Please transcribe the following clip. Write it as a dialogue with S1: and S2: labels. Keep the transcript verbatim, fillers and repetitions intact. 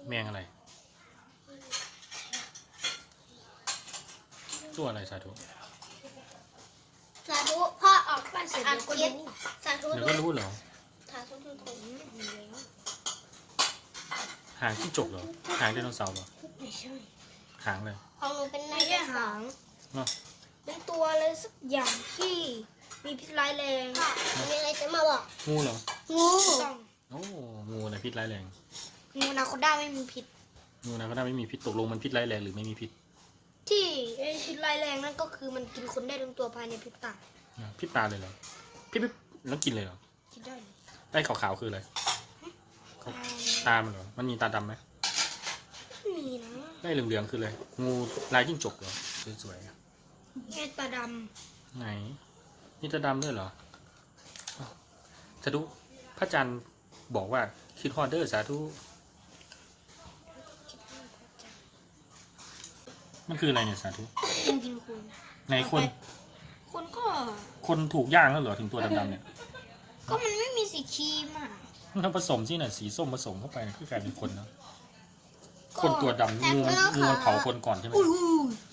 S1: แมงอะไรตัวอะไรสาธุ
S2: สาธุพ่อออกบ้าน
S3: เสร็จ
S2: อา
S3: แล้วก็
S2: ทิต
S3: รู้
S2: สาธุ
S1: เดี๋ยว
S2: ด้ว
S1: ก็
S2: ย
S1: รู้เหรอ
S2: สาธุทุกคน
S3: มีแล้ว
S1: หางจิ้งจกเหรอหางไดโนเสาร์เหรอ
S3: ไม่ใช่
S1: หางเลย
S2: ของหนูเป็นใน
S3: ไม่ใช่หาง
S1: เนาะ
S3: เป็นตัวอะไรสักอย่างที่มีพิษร้ายแรง
S2: พ่อมีอะไรจะมาบอก
S1: งูเหรอ
S2: งู
S3: ต้อง
S1: โอ้งูอะไรพิษร้ายแรง
S3: งูนาโคด้าไม่มีพิษ
S1: งูนะก็น่าไม่มีพิษตกลงมันพิษร้ายแรงหรือไม่มีพิษ
S3: ที่ไอ้พิษร้ายแรงนั่นก็คือมันกินคนได้ทั้งตัวภายในพริบตา
S1: อ่ะพิษตาเลยเหรอพิษพิษแล้วกินเลยเหรอ
S3: คิดได้เลย
S1: ได้ขาวๆคืออะไรตามันเหรอมันมีตาดำไหม
S3: ไม่มีนะ
S1: ได้เหลืองๆคืออะไรงูลายจิ้งจกเหรอสวยๆอ่ะ
S3: แค่ตาด
S1: ไหนนี่ตาดำด้วยเหรออ้าวสาธุพระจันทร์บอกว่าคิดฮอดเดอร์สาธุมันคืออะไรเนี่ยสาธุ
S3: ำกินกินคน
S1: ในคน
S3: คนก็
S1: คนถูกย่างแล้วเหรอถึงตัวดำๆเนี่ย
S3: ก็มันไม่มีสีครีมอ่ะ
S1: ถ้าผสมที่ไหนสีส้มผสมเข้าไปเนี่ยคือกลายเป็นคนเนาะ
S3: ก็
S1: คนตัวดำงูมันงูมันเผาคนก่อนใช่ไหม
S3: อุ้ยอุ้ย